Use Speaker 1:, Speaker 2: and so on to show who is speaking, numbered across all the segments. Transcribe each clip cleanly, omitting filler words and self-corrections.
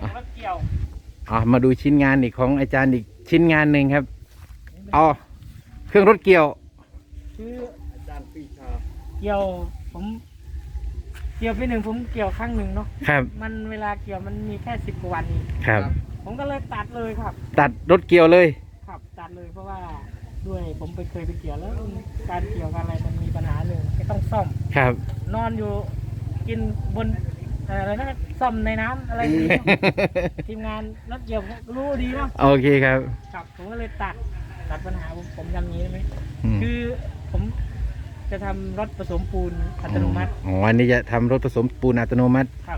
Speaker 1: รถเกี่ยว
Speaker 2: มาดูชิ้นงานอีกของอาจารย์อีกชิ้นงานหนึ่งครับเครื่องรถเกี่ยว
Speaker 1: คืออาจารย์ปีชาเกี่ยวผมเกี่ยวปีหนึ่งผมเกี่ยวครั้งหนึ่งเนาะ
Speaker 2: ครับ
Speaker 1: มันเวลาเกี่ยวมันมีแค่10 กว่าวันนี้
Speaker 2: ครับ
Speaker 1: ผมก็เลยตัดเลยครับ
Speaker 2: ตัดรถเกี่ยวเลย
Speaker 1: ครับตัดเลยเพราะว่าด้วยผมเคยไปเกี่ยวแล้วการเกี่ยวอะไรมันมีปัญหาหนึ่งก็ต้องซ่อม
Speaker 2: ครับ
Speaker 1: นอนอยู่กินบนอะไรนะซ่อมในน้ำอะไรอย่างนี้ ทีมงานรถเกี่ยวรู้ดีเนาะ
Speaker 2: โอเคครับ
Speaker 1: ครับผมก็เลยตัดปัญหาผมทำอย่างนี้ได้ไหมคือผมจะทำรถผสมปูนอัตโนมัติ
Speaker 2: อันนี้จะทำรถผสมปูนอัตโนมัติ
Speaker 1: ครับ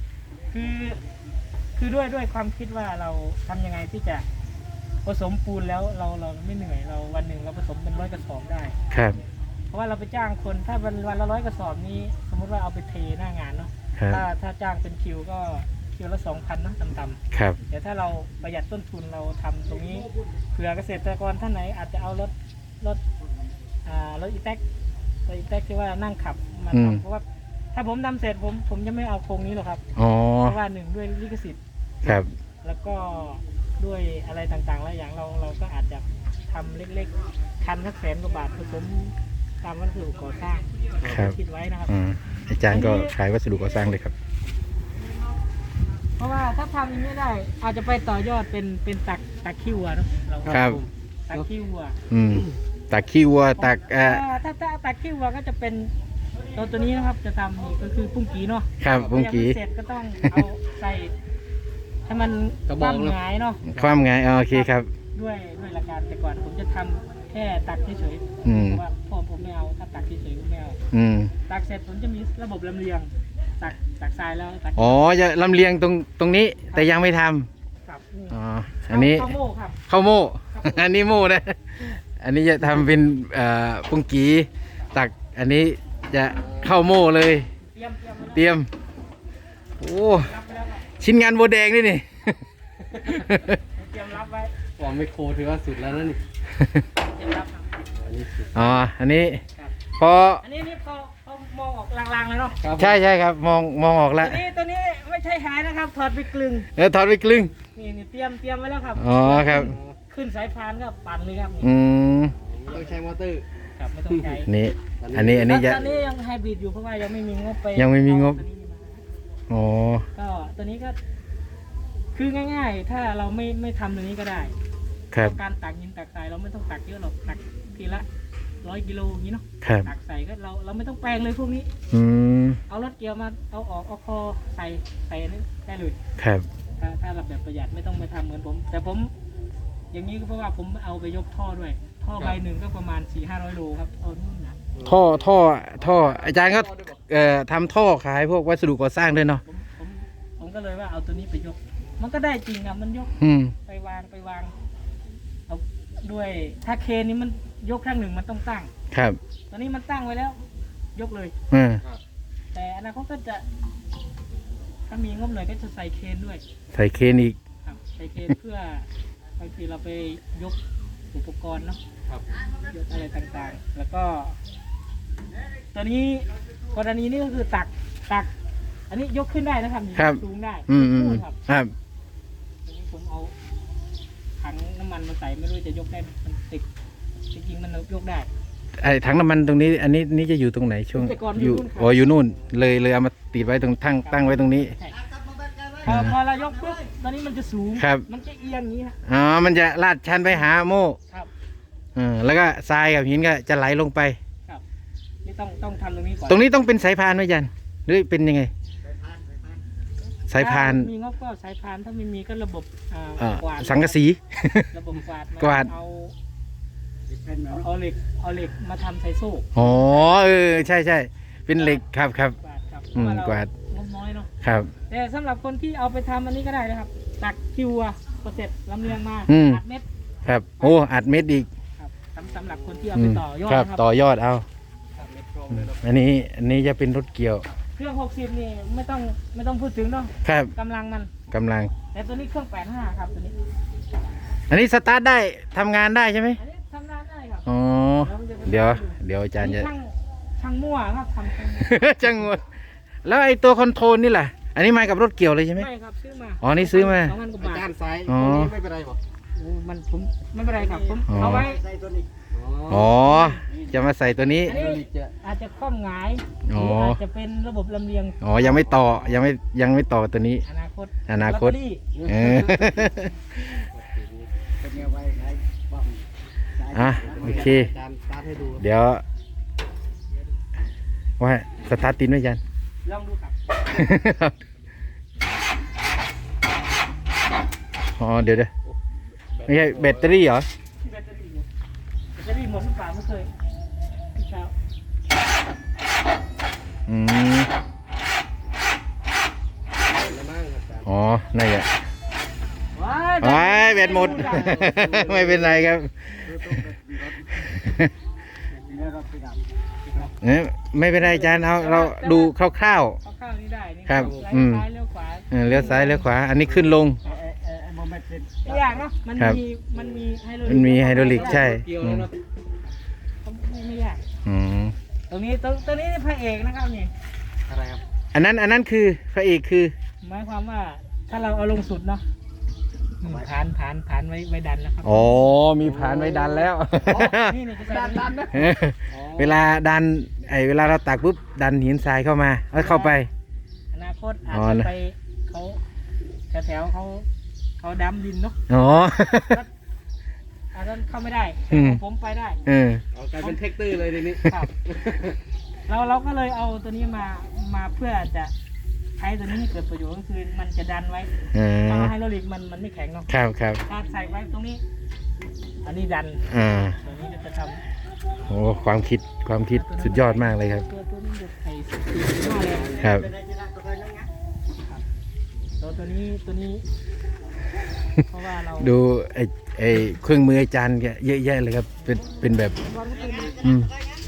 Speaker 1: คือด้วยความคิดว่าเราทำยังไงที่จะผสมปูนแล้วเราไม่เหนื่อยเราวันหนึ่งเราผสมเป็น100 กระสอบได้
Speaker 2: ครับ
Speaker 1: เพราะว่าเราไปจ้างคนถ้าวันละ100 กระสอบนี้สมมติว่าเอาไปเทหน้างานเนาะถ้าจ้างเป็นคิวก็คิวละ 2,000นะต่ำๆ
Speaker 2: ครับ
Speaker 1: แต่ถ้าเราประหยัดต้นทุนเราทำตรงนี้เผื่อเกษตรกรท่านไหนอาจจะเอารถอีแท็กที่ว่านั่งขับมาทำเพราะว่าถ้าผมทำเสร็จผมจะไม่เอาโครงนี้หรอกครับเพราะว่าหนึ่งด้วยลิขสิทธิ์
Speaker 2: ครับ
Speaker 1: แล้วก็ด้วยอะไรต่างๆหลายอย่างเราก็อาจจะทำเล็กๆคันสัก100,000 กว่าบาทผสมตามวัสดุก่อสร้างคิดไว้นะครับ
Speaker 2: อาจารย์ก็ขายวัสดุก่อสร้างเลยครับ
Speaker 1: เพราะว่าถ้าทำอย่างนี้ได้อาจจะไปต่อยอดเป็นตักขี้วัวเนาะเรา
Speaker 2: ครับ
Speaker 1: ตักขี้วัว
Speaker 2: ตักขี้วัวตัก
Speaker 1: ถ้าตักขี้วัวก็จะเป็นตัวนี้นะครับจะทำก็คือปุ้งกีเนาะ
Speaker 2: ครับปุ้งกี
Speaker 1: เสร็จก็ต้องเอาใส่ให้มันความหงายเนาะ
Speaker 2: ความหงายโอเคครับ
Speaker 1: ด้วยหลักการแต่ก่อนผมจะทำแค่ตักเฉยๆเพราะว่าพ่อผมไม่เอาถ้าตักเฉยๆผมไม่เอาตักเสร็จผมจะมีระบบลำเลียงตักทรายแล้ว
Speaker 2: จะลำเลียงตรงนี้แต่ยังไม่ท
Speaker 1: ำครับ
Speaker 2: อันนี้
Speaker 1: ข้าวโม่ครับ
Speaker 2: ข้าวโม่อันนี้โม่นะอันนี้จะทำเป็นปุ้งกีตักอันนี้จะเข้าโม่เลยเตรียมโอ้ชิ้นงานโบแดงนี่
Speaker 1: เตรียมรับไว้
Speaker 3: วางไมโครถือว่าสุดแล้วนะนี่
Speaker 1: เตรียมรับ
Speaker 2: อันนี้พอ
Speaker 1: อันนี้เขามองออกลางๆเลยเนาะ
Speaker 2: ใช่ครับมองออกแล้ว
Speaker 1: ตัวนี้ไม่ใช่หายนะครับถอดไปกลึง
Speaker 2: ถอดไปกลึง
Speaker 1: นี่เตรียมไว้แล้วครับ
Speaker 2: ครับ
Speaker 1: ขึ้นสายพานก็ปั่นเลยครับ
Speaker 3: ต้องใช้มอเตอร์
Speaker 1: ครับไม่ต้องใช้
Speaker 2: นี่อันนี้จะ
Speaker 1: ตอนนี้ยังไฮบริดอยู่เพราะว่ายังไม่มีงบไป
Speaker 2: ยังไม่มีงบ
Speaker 1: ก็ตัวนี้ก็คือง่ายๆถ้าเราไม่ทำตัวนี้ก็ได้การตักหินตักทรายเราไม่ต้องตักเยอะหรอกตักทีละ100 กิโลอย่างนี้เนาะตักใส่ก็เราไม่ต้องแปลงเลยพวกนี้เอารถเกี่ยวมาเอาออกเอาคอใส่นี่ได้เลย
Speaker 2: ครับ
Speaker 1: ถ้าเราแบบประหยัดไม่ต้องไปทำเหมือนผมแต่ผมอย่างนี้ก็เพราะว่าผมเอาไปยกท่อด้วยท่อใบหนึ่งก็ประมาณ400-500 โลครับ
Speaker 2: ท่ออาจารย์ก็ทำท่อขายพวกวัสดุก่อสร้างด้วยเนาะ
Speaker 1: ผมก็เลยว่าเอาตัวนี้ไปยกมันก็ได้จริงครับมันยกไปวางเอาด้วยถ้าเคนี้มันยกครั้งหนึ่งมันต้องตั้ง
Speaker 2: ครับ
Speaker 1: ตอนนี้มันตั้งไว้แล้วยกเลยแต่อนาคตก็จะถ้ามีงบหน่อยก็จะใส่เคนด้วย
Speaker 2: ใส่เคนอีก
Speaker 1: ใส่เคนเพื่อบางทีเราไปยกอุปกรณ์เนาะยกอะไรต่างๆแล้วก็ตอนนี้กรณีนี้ก็คือตักอันนี้ยกขึ้นได้นะครับสูงได้
Speaker 2: ครับ
Speaker 1: ตอนนี้ผมเอาถังน้ำมันมาใส่ไม่รู้จะยกได้มันติดจริงๆมันยกได้
Speaker 2: ถังน้ำมันตรงนี้อันนี้จะอยู่ตรงไหนช่วงอยู่นู่นเลยเอามาติดไว้ตรงตั้งไว้ตรงนี้
Speaker 1: พอเรายกปุ๊บตอนนี้มันจะสูงมันจะเอียงอย่างนี้
Speaker 2: มันจะลาดชันไปหาโม่แล้วก็ทรายกับหินก็จะไหลลงไป
Speaker 1: ครับนี่ต้องทำตรงนี้ก่อน
Speaker 2: ตรงนี้ต้องเป็นสายพานไหมยันหรือเป็นยังไงสายพาน
Speaker 1: มีงบก็สายพานถ้าไม่มีก็ระบบกวาด
Speaker 2: สังกะสี
Speaker 1: ระบบกวาดเอาเหล็กมาทำใส่โซ่
Speaker 2: ใช่เป็นเหล็กครับกวาด
Speaker 1: งบน้อยเนาะ
Speaker 2: ครับ
Speaker 1: แต่สำหรับคนที่เอาไปทำอันนี้ก็ได้นะครับตักคิวเสร็จลำเลียงมาอัดเม็ด
Speaker 2: ครับอัดเม็ดอีก
Speaker 1: สำหรับคนที่เอาไปต่อยอด
Speaker 2: ครับต่อยอดเอาอันนี้จะเป็นรถเกี่ยว
Speaker 1: เครื่อง60นี่ไม่ต้องพูดถึงเนาะ
Speaker 2: ครับ
Speaker 1: กำลังแต่ตัวนี้เครื่อง85ครับตัวนี้
Speaker 2: อันนี้สตาร์ทได้ทำงานได้ใช่ไหม
Speaker 1: อันนี้ทำงานได้ครับ
Speaker 2: เดี๋ยวอาจารย์จะ
Speaker 1: ช่างมั่วครับทำ
Speaker 2: ช่างมั่วแล้วไอ้ตัวคอนโทรลนี่แหละอันนี้มากับรถเกี่ยวเลยใช่ไหม
Speaker 1: ไม่ครับซื้อมา
Speaker 2: อ๋อนี่ซื้อมา
Speaker 1: 2,000 กว่า
Speaker 3: อา
Speaker 1: บาท
Speaker 3: จารย์ซ้าย
Speaker 2: อ๋อ
Speaker 3: ตัวนี้ไม่เป็นไรบอก
Speaker 1: โอ้มันผมไม่เป็นไรครับผม
Speaker 2: อ๋อ
Speaker 1: เอาไว้
Speaker 3: ใส่ตัวนี้
Speaker 2: อ๋อ จะมาใส่ตัวนี้
Speaker 1: อันนี้อาจจะคว่ำหงายห
Speaker 2: อ๋อ
Speaker 1: รืออาจจะเป็นระบบลำเลียง
Speaker 2: อ๋อ ยังไม่ต่อ ยังไม่ต่อตัวนี้
Speaker 1: อนาคต
Speaker 2: อนาคต
Speaker 1: ลอตเตอรี่
Speaker 2: เออ
Speaker 3: เป็นไงไว้ไหนบ้าง
Speaker 2: อ่ะโอเค
Speaker 3: อาจารย์สตาร์ทให้ดู
Speaker 2: เดี๋ยวว่าสตาร์ทตินไว้ยัน
Speaker 1: ลองดูครับ
Speaker 2: อ๋อ เดี๋ยวไม่ใช่แบตเตอรี่เหรอ
Speaker 1: แบตเตอรี่อยู่แบตเตอรี่หมดหรือเปล่าไม่เคยพี่เช้า
Speaker 2: อืม
Speaker 3: แล้วมั่งอาจารย์
Speaker 2: อ๋อนั่นแหละ
Speaker 1: ว้า
Speaker 2: ว้ายแบตหมด ไม่เป็นไรครับเนี่ยไม่เป็นไรอาจารย์เอาเราดูคร่าว
Speaker 1: ข้าวนี่ได้นี่
Speaker 2: ครับ
Speaker 1: ซ้าย
Speaker 2: อืม
Speaker 1: ซ้ายเลี้ยวขวา
Speaker 2: ๆเลี้ยวซ้ายเลี้ยวขวา อันนี้ขึ้นลง
Speaker 1: ไม่ยากเนาะมัน
Speaker 2: ครับ
Speaker 1: มีไฮโดรลิก
Speaker 2: มันมีไฮดรอลิกใช่
Speaker 3: เกี่ยว
Speaker 2: อื
Speaker 3: แล้ว
Speaker 2: ม
Speaker 3: เนาะ
Speaker 1: ไม่ยาก
Speaker 2: อืม
Speaker 1: ตรงนี้นี่พระเอกนะครับนี่
Speaker 3: อะไรครับ
Speaker 2: อันนั้นคือพระเอกคือ
Speaker 1: หมายความว่าถ้าเราเอาลงสุดเนาะฐานไว้ดันแล้วครับ
Speaker 2: อ๋อ มีผานไว้ดันแล้ว
Speaker 1: นี่จะดันนะ
Speaker 2: เวลาดันเวลาเราตักปุ๊บดันหินทรายเข้ามาแล้วเข้าไป
Speaker 1: อนาคตอาจ
Speaker 2: อ๋อ
Speaker 1: จะ
Speaker 2: นะ
Speaker 1: ไปแถวเขาดำดินเนาะ
Speaker 2: อ๋อ
Speaker 1: อาจจะเข้าไม่ได้
Speaker 2: อืม
Speaker 1: ผมไปได้
Speaker 2: เออ
Speaker 3: เอากลายเป็นเทคเตอร์เลยทีนี้
Speaker 1: ครับ เราก็เลยเอาตัวนี้มาเพื่อจะใช้ตัวนี้ให้เกิดประโยชน์ก็คือมันจะดันไว้
Speaker 2: อ่
Speaker 1: ถ้า
Speaker 2: า
Speaker 1: ไฮโดรลิกมันไม่แข็งเนาะ
Speaker 2: ครับครับ
Speaker 1: ถ้าใส่ไว้ตรงนี้ อันนี้ดัน
Speaker 2: อ่า
Speaker 1: ตัวนี้จะทำ
Speaker 2: โอ้ความคิดสุดยอดมากเลยครับ
Speaker 1: ตัวนี้จะใส่สีหน้าเลย
Speaker 2: ครับ
Speaker 1: ตัวนี้เพราะว่าเรา
Speaker 2: ดูไอ้เครื่องมืออาจารย์แกเยอะแยะเลยครับ เป็นแบบ อืม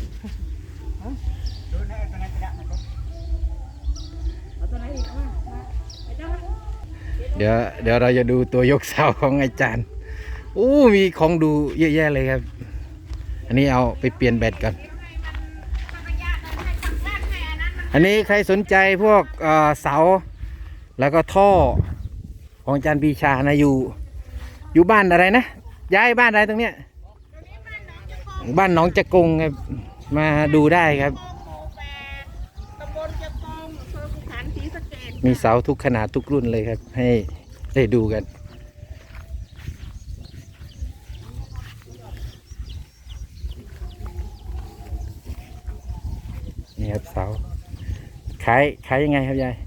Speaker 1: เอาตัวไหนอีกเอามาไอ้เจ้ามา
Speaker 2: เดี๋ยวเราจะดูตัวยกเสาของอาจารย์โอ้มีของดูเยอะแยะเลยครับ อันนี้เอาไปเปลี่ยนแบตก่อนอันนี้ใครสนใจพวกเสาแล้วก็ท่อของอาจารย์ปีชานะอยู่บ้านอะไรนะย้ายบ้านอะไรตรงเนี้ยบ้านหนองจะกงครับมาดูได้ครับ
Speaker 4: ตำบลจะกองอำเภอภูฐานศรีสะเกษ
Speaker 2: มีเสาทุกขนาดทุกรุ่นเลยครับ ให้ได้ดูกันนี่ครับเสาขายยังไงครับยาย